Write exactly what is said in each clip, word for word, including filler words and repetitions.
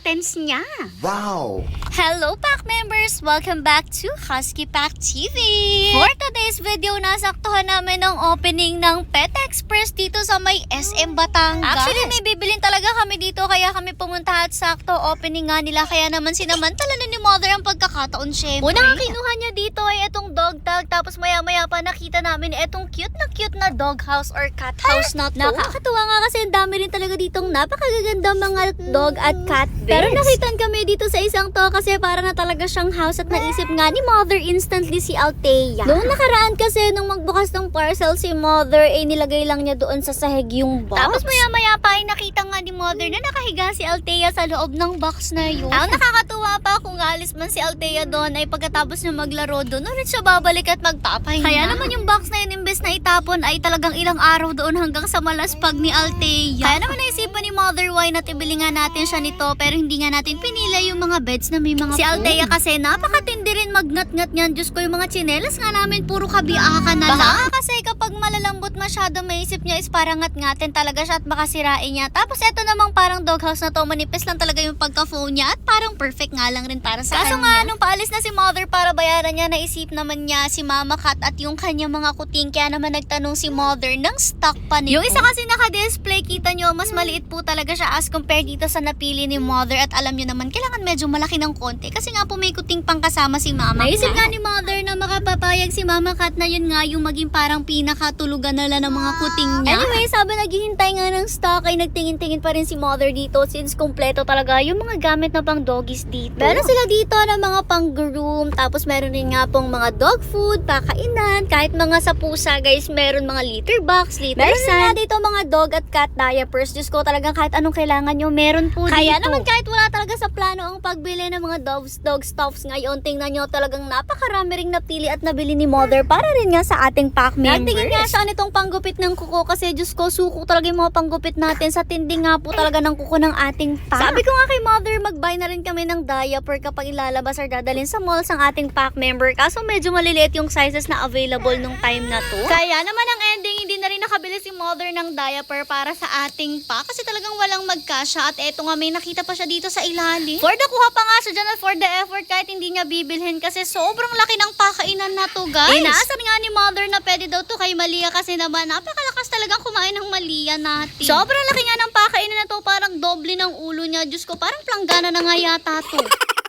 kittens niya. Wow! Hello pack members! Welcome back to Husky Pack T V! For today's video, nasaktuhan namin ang opening ng Pet Express dito sa may S M Batangas. Actually, may bibilin talaga kami dito kaya kami pumunta at sakto opening nga nila. Kaya naman sinamantala na ni Mother ang pagkakataon syempre. Una nga kinuha niya dito ay itong dog tag, tapos maya maya pa nakita namin itong cute na cute na dog house or cat house na to. Nakakatuwa nga kasi ang dami rin talaga ditong napakagaganda mga dog at cat beds. Pero nakitan kami dito sa isang to kasi para na talaga siyang house at naisip nga ni Mother instantly si Althea. Noong nakaraan kasi nung magbukas ng parcel si Mother ay nilagay lang niya doon sa sahig yung box. Tapos maya maya pa ay nakita nga ni Mother na nakahiga si Althea sa loob ng box na yun. Ang nakakatuwa pa kung alis man si Althea doon ay pagkatapos niya maglaro doon ulit siya babalik at magpapahinga. Kaya naman yung box na yun imbes na itapon ay talagang ilang araw doon hanggang sa malaspag ni Althea. Kaya naman naisipan ni Mother why not ibili nga natin siya nito pero hindi nga natin pinila yung mga beds na may mga si Althea kasi napakatindi rin magnat-ngat niyan. Diyos ko, yung mga tsinelas nga namin puro kabiakan na lang. Baka kasi kapag malalambot masyado maisip niya is parang ngat-ngatin talaga siya at baka sirain niya. Tapos eto namang parang doghouse na to, manipis lang talaga yung pagka-phone niya at parang perfect nga lang rin para sa Kaso kanya. Kaso nga nung paalis na si Mother para bayaran niya, naisip naman niya si Mama Cat at yung kanya mga kuting. Kaya naman nagtanong si Mother ng stock pa nito. Yung isa kasi naka-display, kita nyo, mas maliit po talaga siya as compared dito sa napili ni Mother. At alam nyo naman, kailangan medyo malaki ng konti kasi nga po may kuting pang kasama si Mama. Naisip nga ni Mother na makapapayag si Mama Cat na yun nga yung maging parang pinakatulugan nila ng mga kuting niya. Anyway, sabi naghihintay nga ng stock ay nagtingin-tingin pa rin si Mother dito since kompleto talaga yung mga gamit na pang doggies dito. Meron sila dito na mga pang groom, tapos meron rin nga pong mga dog food, pakainan, kahit mga sa pusa guys, meron mga litter box, litter meron sand. Meron nga dito mga dog at cat diapers. Diyos ko, talagang kahit anong kailangan nyo, meron po Kaya dito. Kaya naman kahit wala talaga sa plano ang pagbili ng mga dogs, dog stuffs ngayon, tingnan nyo talagang napakarami ring napili at nabili ni Mother para rin nga sa ating pack members. Natingin nga siya nitong panggupit ng kuko kasi Diyos ko, suko talaga yung mga panggupit natin sa tindi nga po talaga ng kuko ng ating pack. Sabi ko nga kay Mother, mag-buy na rin kami ng diaper kapag ilalabas or dadalhin sa malls ang ating pack member. Kaso medyo maliliit yung sizes na available nung time na to. Kaya naman ang ending, hindi na rin nakabili si Mother ng diaper para sa ating pack kasi talagang walang magkasya. At eto nga, may nakita pa siya dito sa ilalim. For the kuha pa nga siya dyan at for the effort kahit hindi niya bibilhin kasi sobrang laki ng pakainan na to guys. Inaasan nga ni Mother na pwede daw to kay Malia kasi naman napakalakas talagang kumain ng Malia natin. Sobrang laki nga ng pakainan na to, parang doble ng ulo niya. Diyos ko, parang planggana na nga yata to.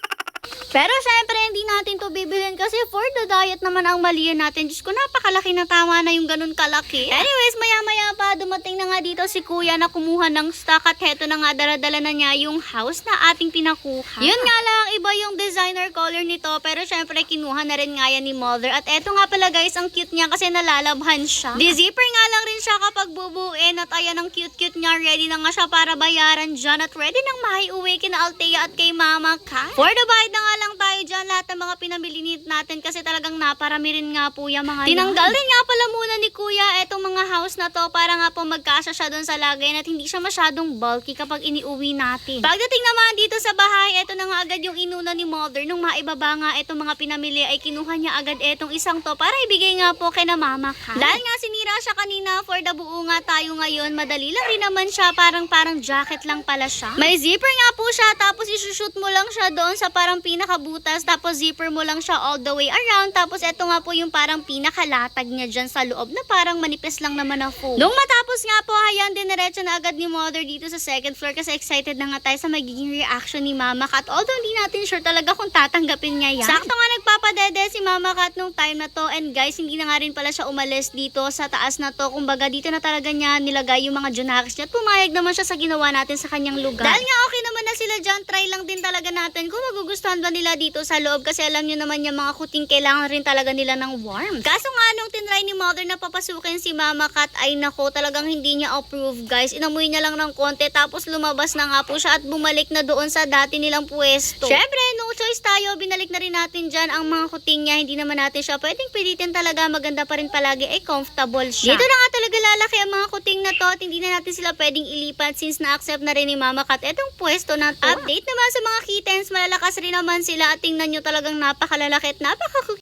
Pero syempre, hindi natin to bibilhin kasi for the diet naman ang Malia natin. Diyos ko, napakalaki na, tama na yung ganun kalaki. Anyways, maya-maya pa, dumating na nga dito si Kuya na kumuha ng stock at heto na nga, daladala na niya yung house na ating pinakuha. Yun nga lang, iba yung designer color nito, pero syempre, kinuha na rin nga yan ni Mother. At eto nga pala guys, ang cute niya kasi nalalabhan siya. Di-zipper nga lang rin siya kapag bubuin at ayan ang cute-cute niya. Ready na nga siya para bayaran dyan at ready nang maiuwi kina Althea at kay Mama Cat. For the bayad na nga lang tayo dyan lahat ng mga pinamili natin kasi talagang naparami rin nga po yung mga tinanggal rin nga pala muna ni Kuya etong mga house na to para nga po magkasya siya doon sa lagay at hindi siya masyadong bulky kapag iniuwi natin. Pagdating naman dito sa bahay, eto na nga agad yung inuna ni Mother. Nung maibaba nga etong mga pinamili ay kinuha niya agad etong isang to para ibigay nga po kay na Mama Cat. Dahil nga sinira siya kanina, for the buo nga tayo ngayon, madali lang rin naman siya, parang parang jacket lang pala siya. May zipper nga po siya, tapos isushoot mo lang siya doon sa parang pinakabutas, tapos zipper mo lang siya all the way around, tapos eto nga po yung parang pinakalatag niya dyan sa loob na parang manipis lang naman na foam. Nung matapos nga po, hayan, diniretso na agad ni Mother dito sa second floor kasi excited na nga tayo sa magiging reaction ni Mama Cat. Although hindi natin sure talaga kung tatanggapin niya yan. Sakto nga nagpapadede si Mama Cat nung time na to, and guys, hindi na nga rin pala siya umalis dito sa taas na to. Kumbaga dito na talaga niya nilagay yung mga junakis niya at pumayag naman siya sa ginawa natin sa kanyang lugar. Dahil nga okay naman na sila dyan, try lang din talaga natin kung magugustuhan ba nila dito sa loob kasi alam nyo naman yung mga kuting kailangan rin talaga nila ng warmth. Kaso nga nung tinry ni Mother na papasukin si Mama Cat ay nako, talagang hindi niya approve guys. Inamoy niya lang ng konti tapos lumabas na nga po siya at bumalik na doon sa dati nilang pwesto. Syempre, no choice tayo, binalik na rin natin dyan ang mga kuting niya. Hindi naman natin siya pwedeng pilitin talaga, maganda pa rin palagi ay comfortable siya. Dito na nga talaga lalaki ang mga kuting na to at hindi na natin sila pwedeng ilipat since na-accept na rin ni Mama Cat etong pwesto na to. Update naman sa mga kittens, malalakas rin naman sila at tingnan nyo talagang napakalalaki at napaka